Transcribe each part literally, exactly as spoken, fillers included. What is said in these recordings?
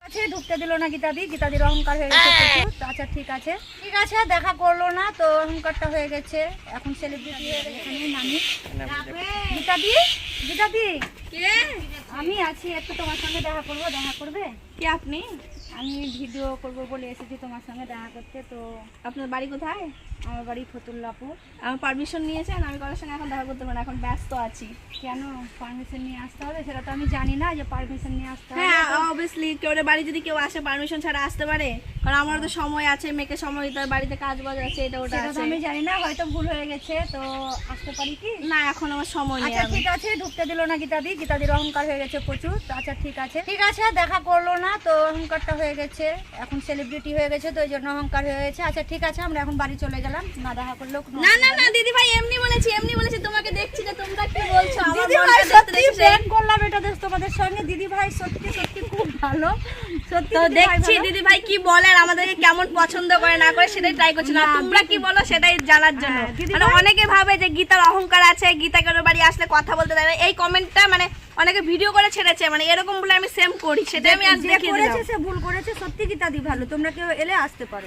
ঢুকতে দিল না গীতাদি, গীতাদির অহংকার হয়ে গেছে প্রচুর। আচ্ছা ঠিক আছে ঠিক আছে দেখা করলো না তো অহংকারটা হয়ে গেছে, এখন সেলিব্রিটি হয়ে গেছে। এখানে নামি গীতাদি, গীতাদি কে? আমি আছি, একটু তোমার সঙ্গে দেখা করবো। দেখা করবে? কে আপনি? আমি ভিডিও করবো বলে এসেছি তোমার সঙ্গে দেখা করতে। তো আপনার বাড়ি কোথায়? আমার বাড়ি ফতুল্লাপুর। আমার পারমিশন নিয়েছেন? আমি কারোর সঙ্গে এখন দেখা করতে পারি না, এখন ব্যস্ত আছি। কেন পারমিশন নিয়ে আসতে হবে? সেটা তো আমি জানি না যে পারমিশন নিয়ে আসতে হবে। হ্যাঁ অবভিয়াসলি কেউ বাড়ি যদি কেউ আসে পারমিশন ছাড়া আসতে পারে? কারণ আমারও তো সময় আছে, মেয়েকে সময় দিতে হয়, বাড়িতে কাজ বাজ আছে, এটা ওটা সেটা তো আছে। আমি জানি না, হয়তো ভুল হয়ে গেছে, তো আসতে পারি কি? না এখন আমার সময় নেই। আচ্ছা আমি ঠিক আছে ঢুকতে দিল না গীতাদি, গীতাদির অহংকার হয়ে গেছে প্রচুর। তো আচ্ছা ঠিক আছে ঠিক আছে দেখা করলো না তো অহংকারটা হয়ে গেছে, এখন সেলিব্রিটি হয়ে গেছে তো ওই জন্য অহংকার হয়ে গেছে। আচ্ছা ঠিক আছে আমরা এখন বাড়ি চলে গেলাম, না দেখা করলেও কোনো না না না দিদি ভাই এমনি বলেছি, এমনি বলেছি, তোমাকে দেখছি যে তোমরা কি বলছো। আমার দিদি মনটা ভাই দেখতে সত্যি দেখছি। প্রেম করলাম এটা দেখ তোমাদের সঙ্গে। দিদি ভাই সত্যি সত্যি খুব ভালো, সত্যি তো দিদি ভাই দেখছি ভালো। দিদি ভাই কি বলে আর আমাদেরকে কেমন পছন্দ করে না করে সেটাই ট্রাই করছি না, না, তোমরা কি বলো সেটাই জানার জন্য। হ্যাঁ, দিদি মানে ভাই- অনেকে ভাবে যে গীতার অহংকার আছে, গীতা কেন বাড়ি আসলে কথা বলতে দেয় না, এই কমেন্টটা মানে অনেকে ভিডিও করে ছেড়েছে, মানে এরকম বলে আমি সেম করি, সেটাই আমি আজ যে দেখিয়ে দিলাম। করেছে সে ভুল করেছে, সত্যি গীতাদি ভালো, তোমরা কেউ এলে আসতে পারো।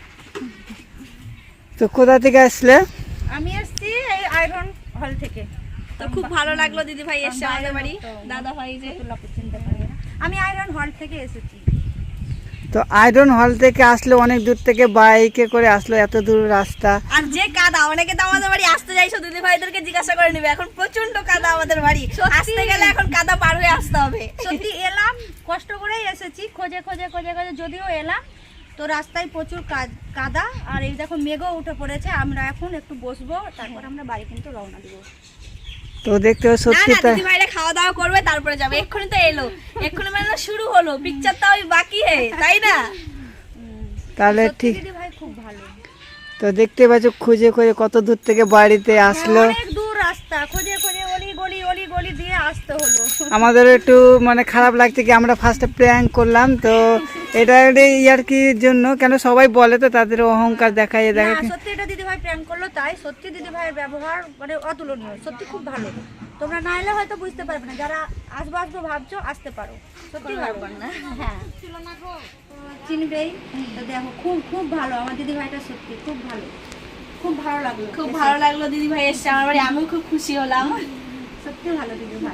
তো কোথা থেকে আসলে? আমি এসছি এই আয়রন হল থেকে। তো খুব ভালো লাগলো দিদি ভাই এসে আমাদের বাড়ি, তো দাদা ভাই যে। ফতুল্লাপুর চিনতে পারি না। আমি আয়রন হল থেকে এসেছি। তো আয়রন হল থেকে আসলে অনেক দূর থেকে বাইকে করে আসলো, এত দূর রাস্তা। আর যে কাদা, অনেকে তো আমাদের বাড়ি আসতে যাইছো দিদি ভাইদেরকে জিজ্ঞাসা করে নিবে, এখন প্রচন্ড কাদা আমাদের বাড়ি, আসতে গেলে এখন কাদা পার হয়ে আসতে হবে। সত্যি এলাম, কষ্ট করেই এসেছি, খোঁজে খোঁজে খোঁজে খোঁজে যদিও এলাম, তো রাস্তায় প্রচুর কা- কাদা আর এই দেখো মেঘও উঠে পড়েছে। আমরা এখন একটু বসবো, তারপর আমরা বাড়ি কিন্তু রওনা দিব। তো দেখতে হবে না সত্যি না তাই। দিদি ভাইরা খাওয়া দাওয়া করবে তারপরে যাবে, এক্ষুনি তো এলো, এক্ষুনি মানে শুরু হলো, পিকচারটা ওই বাকি হে, তাই না? তাহলে সত্যি ঠিক। দিদি ভাই খুব ভালো। তো দেখতে পাচ্ছ খুঁজে খুঁজে কত দূর থেকে বাড়িতে আসলো। অনেক দূর রাস্তা, খোঁজে খোঁজে অলি গলি অলি গলি দিয়ে আসতে হলো। আমাদের একটু মানে খারাপ লাগছে কি আমরা ফার্স্টে প্র্যাঙ্ক করলাম, তো এটা ইয়ার কি জন্য, কেন সবাই বলে তো তাদের অহংকার দেখায় না দেখা। সত্যি এটা দিদি ভাই প্র্যাঙ্ক করলো তাই। সত্যি দিদি ভাইয়ের ব্যবহার মানে অতুলনীয়, সত্যি খুব ভালো। তোমরা না এলে হয়তো বুঝতে পারবে না, যারা আসবো আসবো ভাবছো আসতে পারো, সত্যি ভালো না। হ্যাঁ চিনবেই তো, দেখো খুব খুব ভালো আমার দিদি ভাইটা, সত্যি খুব ভালো, খুব ভালো লাগলো, খুব ভালো লাগলো দিদি ভাই এসছে আমার বাড়ি, আমিও খুব খুশি হলাম। সত্যি ভালো দিদি ভাই।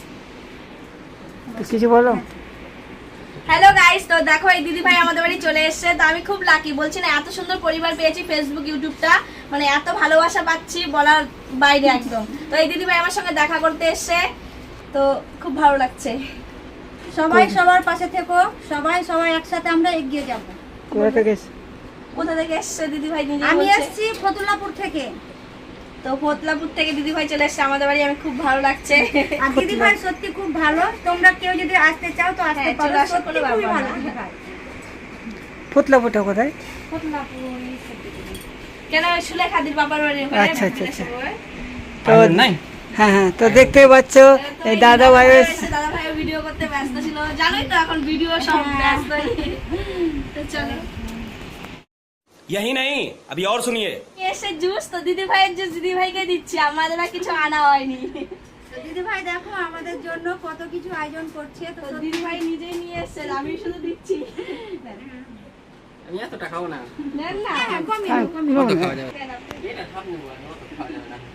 তো কিছু বলো। হ্যালো গাইস, তো দেখো এই দিদি ভাই আমাদের বাড়ি চলে এসেছে, তো আমি খুব লাকি, বলছি না এত সুন্দর পরিবার পেয়েছি, ফেসবুক ইউটিউবটা মানে এত ভালোবাসা পাচ্ছি বলার বাইরে একদম। তো এই দিদি ভাই আমার সঙ্গে দেখা করতে এসেছে, তো খুব ভালো লাগছে। সবাই সবার পাশে থেকো, সবাই সবাই একসাথে আমরা এগিয়ে যাব। কোথা থেকে এসে? কোথা থেকে এসেছে দিদি ভাই নিজে আমি বলছে। এসেছি ফতুল্লাপুর থেকে। তো ফতলাপুর থেকে দিদি ভাই চলে এসেছে আমাদের বাড়ি, আমি খুব ভালো লাগছে। আর দিদি ভাই সত্যি খুব ভালো, তোমরা কেউ যদি আসতে চাও তো আসতে হ্যাঁ, পারো, চলে আসো, সত্যি কোনো খুবই ব্যাপার ভালো না। দিদি ভাই। ফুটলাপুরটা কোথায়? ফতুল্লাপুর এই সত্যি দিদি। কেন সুলেখাদির বাবার বাড়ি ওখানে আচ্ছা, আচ্ছা, আচ্ছা। সবাই। তো হ্যাঁ হ্যাঁ, তো দেখতে পাচ্ছ এই দাদা ভাই দাদা ভাই ভিডিও করতে ব্যস্ত ছিল, জানোই তো এখন ভিডিও সব ব্যস্ত। তো চলো यही नहीं अभी और सुनिए। এসে জুস, তো দিদি ভাইয়ের জুস দিদি ভাইকে দিচ্ছি, আমাদের আর কিছু আনা হয়নি। তো দিদি ভাই দেখো আমাদের জন্য কত কিছু আয়োজন করছে, তো তো সত্যি- দিদি ভাই নিজেই নিয়ে এসছে, আমি শুধু দিচ্ছি। আমি এতটা খাবো না। নেন না হ্যাঁ, কমিয়ে দাও, কমিয়ে দাও। কত খাওয়া যাবে? কেন? এটা সব নেবো আমি, অত খাওয়া যাবে না।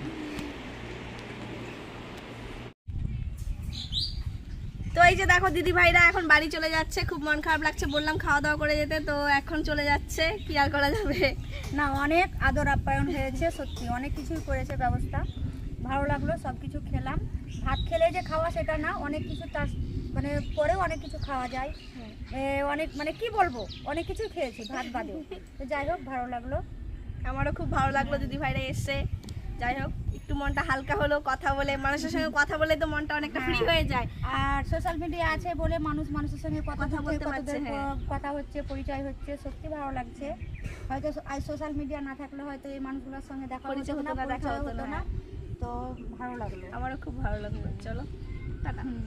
তো এই যে দেখো দিদি ভাইরা এখন বাড়ি চলে যাচ্ছে, খুব মন খারাপ লাগছে, বললাম খাওয়া দাওয়া করে যেতে, তো এখন চলে যাচ্ছে, কি আর করা যাবে। না অনেক আদর আপ্যায়ন হয়েছে, সত্যি অনেক কিছুই করেছে ব্যবস্থা, ভালো লাগলো, সব কিছু খেলাম। ভাত খেলে যে খাওয়া সেটা না, অনেক কিছু তার মানে পরেও অনেক কিছু খাওয়া যায়, এ, অনেক মানে কি বলবো অনেক কিছু খেয়েছি ভাত বাদেও। তো যাই হোক ভালো লাগলো। আমারও খুব ভালো লাগলো দিদি ভাইরা এসছে, যাই হোক একটু মনটা হালকা হলো, কথা বলে মানুষের সঙ্গে কথা বলে তো মনটা অনেকটা ফ্রি হয়ে যায়। আর সোশ্যাল মিডিয়া আছে বলে মানুষ মানুষের সঙ্গে কথা কথা বলতে বলতে পারছে, কতদের হ্যাঁ। কথা হচ্ছে, পরিচয় হচ্ছে, সত্যি ভালো লাগছে। হয়তো আজ সোশ্যাল মিডিয়া না থাকলে হয়তো এই মানুষগুলোর সঙ্গে দেখা পরিচয় হতো হতো না, না, দেখা পরিচয় হতো হতো না। না। তো ভালো লাগলো। আমারও খুব ভালো লাগলো, চলো টাটা। হুম।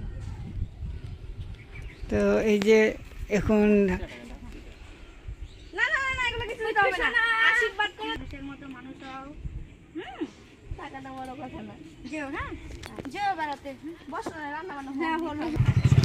তো এই যে এখন না না না না, এগুলো কিছু দিতে হবে না, আশীর্বাদ করে মানুষের মতো মানুষ হও। হুম টাকাটা বড় কথা না। যেও হ্যাঁ, যেও বেড়াতে। বসো না, রান্না বান্না হ্যাঁ হলো। হলো।